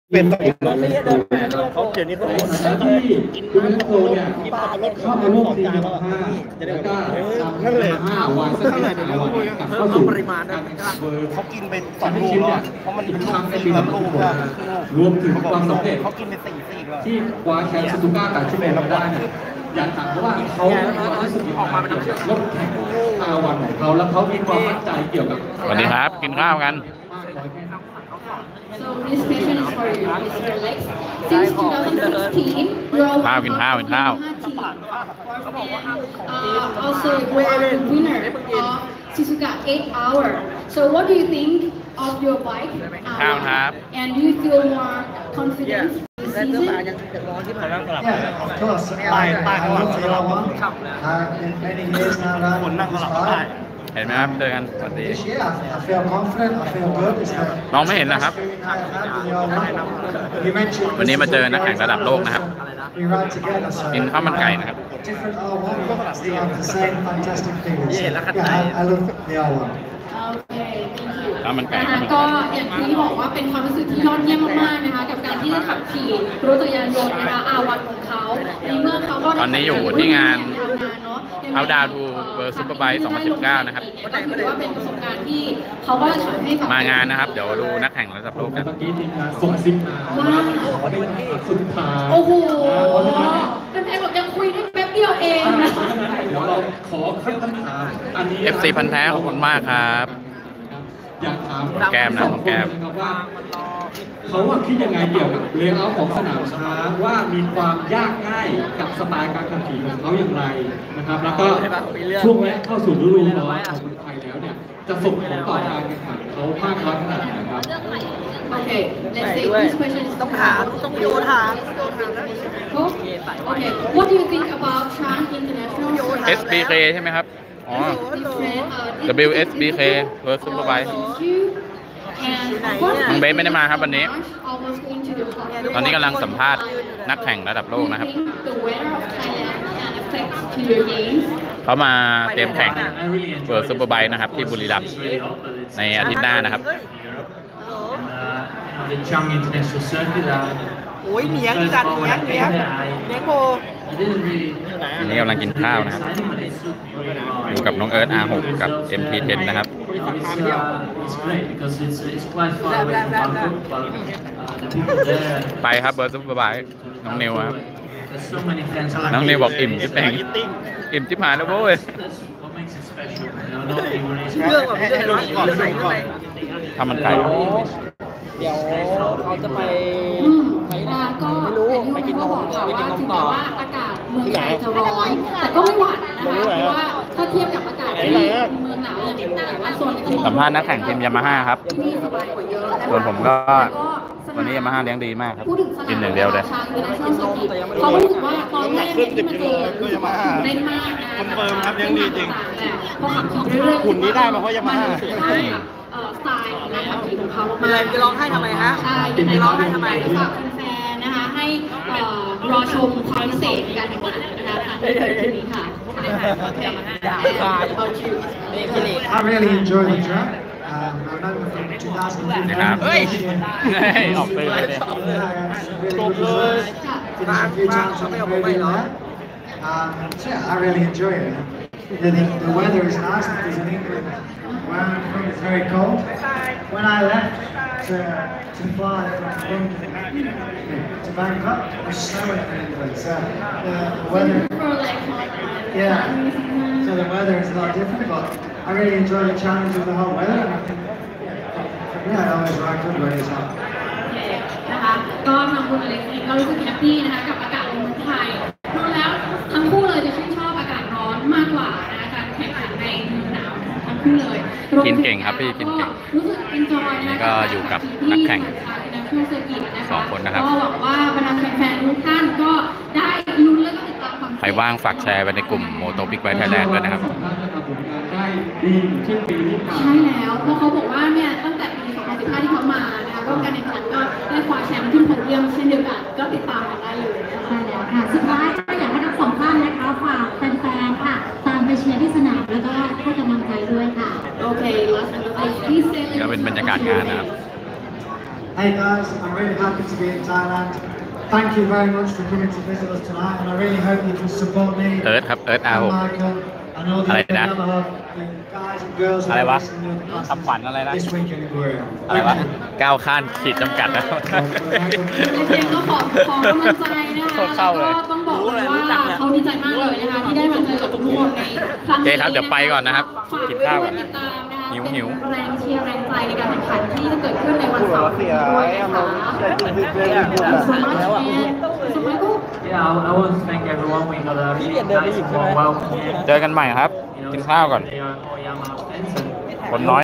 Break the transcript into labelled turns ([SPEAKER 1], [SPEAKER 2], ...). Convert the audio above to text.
[SPEAKER 1] เป็นเขาเจอนี่เขากินน้ำโคเนี่ยเข้ามาร่วมทีมจะได้ก็นั่นเลย5 วันสักเท่าไหร่เดี๋ยวเข้าสู่ปริมาณนะเขากินไป2 ลูกแล้วเพราะมันเป็นลูกลูกรวมถึงความสำเร็จเขากินไป4 แล้วที่คว้าแชมป์ซูซูก้ากับชิเมะมาได้เนี่ยอยากถามเพราะว่าเขารู้สึกออกมาเป็นรถแข่ง5 วันของเขาแล้วเขามีความมั่นใจเกี่ยวกับ
[SPEAKER 2] สวัสดีครับกินข้าวกัน
[SPEAKER 3] So this question is for you, Mr. Lex. Since 2016, you're always also you are the winner of Suzuka 8 Hour. So what do you think of your bike? And do you feel more confident this season?
[SPEAKER 4] Yeah, of course. I love the one. Many years now riding this bike.
[SPEAKER 2] เห็นไหมครับเจอกันสวัสดี
[SPEAKER 4] This year, I feel confident. I feel good. It's the
[SPEAKER 2] น้องไม่เห็นนะครับ วันนี้มาเจอนักแข่งระดับโลกนะครับ
[SPEAKER 4] We ride together. So
[SPEAKER 2] กินข้าวมันไก่นะครับ
[SPEAKER 4] different R1, still have the same fantastic feeling. Yeah, I love the R1.
[SPEAKER 3] โอเค thank you
[SPEAKER 2] ข้าวมันไก่
[SPEAKER 3] นะคะก็อย่างที่บอกว่าเป็นความรู้สึกที่ยอดเยี่ยมมากๆนะคะกับการที่ได้ขับขี่รถจักรยานยนต์นะคะอาวันของเขาในเมื่อเขาก็
[SPEAKER 2] ตอนนี้อยู่ที่งาน
[SPEAKER 3] เอา
[SPEAKER 2] ดาวทูเบอร์ซุปเปอร์ไบค์2019นะครับ
[SPEAKER 3] ก็ถือว่าเป็นประสบการณ์ที่เขาก็ทำให้กับ
[SPEAKER 2] มางานนะครับเดี๋ยวดูนักแข่งระดับโลกกัน
[SPEAKER 1] เมื่อกี้ทีมงานส่งซิกมาว่าขอได้สุดท้าย
[SPEAKER 3] โอ้โหเป็นแฟนบอกยังคุยได้แป๊บเดียวเองนะ
[SPEAKER 1] เดี๋ยวเราขอคำถามอันนี้
[SPEAKER 2] FC พันธุ์แท้ขอบคุณมากครับ
[SPEAKER 1] อยากถาม
[SPEAKER 2] แก้มนะน้องแก้ม
[SPEAKER 1] ว่าเขาว่าคิดยังไงเกี่ยวกับเลเยอร์ของสนามช้างว่ามีความยากง่ายกับสไตล์การขับขี่ของเขาอย่างไรนะครับแล้วก็ช่วงนี้เข้าสู่ฤดูร้อนของเมืองไทยแล้วเนี่ยจะส่งผลต่อการแข่งขันเขามากน้อยขนาดไหนครับ
[SPEAKER 3] Okay, let's say this question is
[SPEAKER 5] ต้องถามต้องโยนถาม
[SPEAKER 3] Okay, what do you think about Trans International
[SPEAKER 2] SBK ใช่ไหมครับอ๋อ
[SPEAKER 3] different
[SPEAKER 2] WSBK เบอร์ซุปเปอร์ไบค์
[SPEAKER 3] and
[SPEAKER 2] น้องเบสไม่ได้มาครับวันนี้
[SPEAKER 3] almost going to the top.
[SPEAKER 2] ตอนนี้กำลังสัมภาษณ์นักแข่งระดับโลกนะครับ
[SPEAKER 3] The weather of Thailand can affect to your games.
[SPEAKER 2] เขามาเตรียมแข่งเบอร์ซุปเปอร์ไบค์นะครับที่บุรีรัมย์ในอาทิตย์หน้านะครับ
[SPEAKER 6] The Chang International Circuit.
[SPEAKER 5] โอ้ยเหนียงจัดเหนียงเหนียงโบ
[SPEAKER 2] อันนี้กำลังกินข้าวนะครับอยู่กับน้องเอิร์ธ R6 กับ MT10 นะครับ
[SPEAKER 6] It's great because it's quite far away from Bangkok, but the people there.
[SPEAKER 2] ไปครับเบอร์ซุปเปอร์ไบค์น้องนิวครับ
[SPEAKER 6] There's so many fans.
[SPEAKER 2] น้องนิวบอกอิ่มจิ๊บแดงอิ่มจิ๊บหายแล้วโว้ย
[SPEAKER 6] That's what makes it special. Not everyone is.
[SPEAKER 5] เรื่องแบบนี้ร้อนก่อนใส่เข้าไป
[SPEAKER 2] ทำมันไก่
[SPEAKER 5] เดี๋ยวเขาจะไป
[SPEAKER 3] ก็
[SPEAKER 5] ไม่รู้
[SPEAKER 3] ไปกินนม
[SPEAKER 5] ไปกินนม
[SPEAKER 3] ถึง
[SPEAKER 5] ต่
[SPEAKER 3] แม้
[SPEAKER 5] อ
[SPEAKER 3] ว่าอากาศเมืองไทยจะร้อนแต่ก็ไม่หวั่นนะคะเพราะว่าถ้าเทียบกับอากาศที่เมืองหนาวอย่างนี้แต่ว่าโซนที่
[SPEAKER 2] สัมภาษณ์นักแข่งทีมยามาฮ่าครับ
[SPEAKER 3] ที่นี่สบายกว่าเยอะนะคะ
[SPEAKER 2] ส่วนผมก็
[SPEAKER 3] แล้ว
[SPEAKER 2] วันนี้ยามาฮ่าเลี้ยงดีมากครับ
[SPEAKER 3] พูดถึงสนาม
[SPEAKER 2] กินอย่างเดียวเลย
[SPEAKER 3] ชางอินเตอร์เนชั่นแนลเซอร์กิตเขาก็รู้สึกว่าตอนแรกเนี่ยที่มาเจอรู้สึกว่าตื่นเต้นมากนะ
[SPEAKER 1] คอนเฟิร์มครับเลี้ยงดีจริง
[SPEAKER 3] พอขับขี่เรื่อยๆ
[SPEAKER 1] หุ่นนี้ได้มาเพราะยามาฮ่า
[SPEAKER 3] นรู้สึกให้สไตล์ของการขับขี่ของเขา
[SPEAKER 5] มันอะไรจะร้องไห้ทำไมฮะ
[SPEAKER 3] ใช่
[SPEAKER 5] จะร้องไห้ทำไม
[SPEAKER 3] ฝากแฟนๆนะคะให้รอชมความพิเศษในการแข่งขันนะคะทางทีนี้ค่ะ
[SPEAKER 4] I really enjoy the track. I remember from 2015.
[SPEAKER 2] นะครับเฮ้ยออกเลย
[SPEAKER 4] Really good results. Finished a few times on the podium there. So yeah, I really enjoy it. The weather is nice because in England, where I'm from, it's very cold. When I left to fly from London to Bangkok, it was snowing in England. So the weather, yeah. So the weather is a lot different, but I really enjoy the challenge of the hot weather. And I think, for me, I always ride good when it's hot.
[SPEAKER 3] นะคะก็ทางคุณอเล็กซ์เองก็รู้สึกแฮปปี้นะคะกับอากาศในเมืองไทยดูแล้วทั้งคู่เลยจะชื่นชอบอากาศร้อนมากกว่านะคะการแข่งขันในเมืองหนาวทั้งคู่เลย
[SPEAKER 2] กินเก่งครับพี่กินเก่ง
[SPEAKER 3] รู้สึกเอนจอยนะคะ
[SPEAKER 2] ก็อยู่กับนักแข่ง
[SPEAKER 3] สอง
[SPEAKER 2] คนนะครับ
[SPEAKER 3] ก็หวังว่าบรรดาแฟนๆทุกท่านก็ได้ลุ้นและก็ติดตามความ
[SPEAKER 2] ใครว่างฝากแชร์ไปในกลุ่มโมโตบิ๊กไบค์ไทยแลนด์ด้วยนะครับ
[SPEAKER 1] ได้ดีเช่นปีที่ผ่าน
[SPEAKER 3] ใช่แล้วเพราะเขาบอกว่าเนี่ยตั้งแต่ปี 2015 ที่เขามานะคะก็การแข่งขันก็ได้คว้าแชมป์ขึ้นโพเดียมเช่นเดียวกันก็ติดตามกันได้เลยนะคะ
[SPEAKER 7] ใช่แล้วค่ะสุดท้ายก็อยากให้ทั้งสองท่านนะคะฝากแฟนๆค่ะตามไปเชียร์ที่สนามแล้วก็ให้กำลังใจด้วยค่ะ
[SPEAKER 3] โอเค last but not least please say
[SPEAKER 2] ก็เป็นบรรยากาศงานนะครับ
[SPEAKER 4] Hey guys, I'm really happy to be in Thailand. Thank you very much for coming to visit us tonight, and I really hope you can support me.
[SPEAKER 2] เอิร์ธครับเอิร์ธ R6
[SPEAKER 4] Michael, and all the
[SPEAKER 2] อะไร
[SPEAKER 4] other
[SPEAKER 2] นะ
[SPEAKER 4] Yamaha guys and girls
[SPEAKER 2] อะไรวะ
[SPEAKER 4] in the other
[SPEAKER 2] คำขวัญอะไรนะ
[SPEAKER 4] this weekend in Korea.
[SPEAKER 2] อะไรวะก้าวข้ามขีดจำกัดนะ
[SPEAKER 3] เจมก็ขอกำลังใจนะคะ
[SPEAKER 2] โคตรเศร้าเลย
[SPEAKER 3] แล้วก็ต้องบอกเลยว่าเขาดีใจมากเลยนะคะที่ได้มาเจอกับทุกคนในครั้ง
[SPEAKER 2] โอเค
[SPEAKER 3] นี้
[SPEAKER 2] ครับเดี๋ยวไปก่อนนะครับ
[SPEAKER 3] ฝาก
[SPEAKER 2] กิน
[SPEAKER 3] ด้วย
[SPEAKER 2] ข้าวก่อน
[SPEAKER 3] ติดตามนะคะ
[SPEAKER 2] หิว
[SPEAKER 3] เป็นแรงเชียร์แรงใจในการแข่งขันที่จะเกิดขึ้นในวันเสาร์นี้ด้วยนะคะ So much and
[SPEAKER 6] Yeah, I want to thank everyone. We got a really nice warm welcome here.
[SPEAKER 2] เจอกันใหม่ครับ
[SPEAKER 6] You know,
[SPEAKER 2] กินข้าวก่อน
[SPEAKER 6] they are all Yamaha fans and
[SPEAKER 2] คนน้อย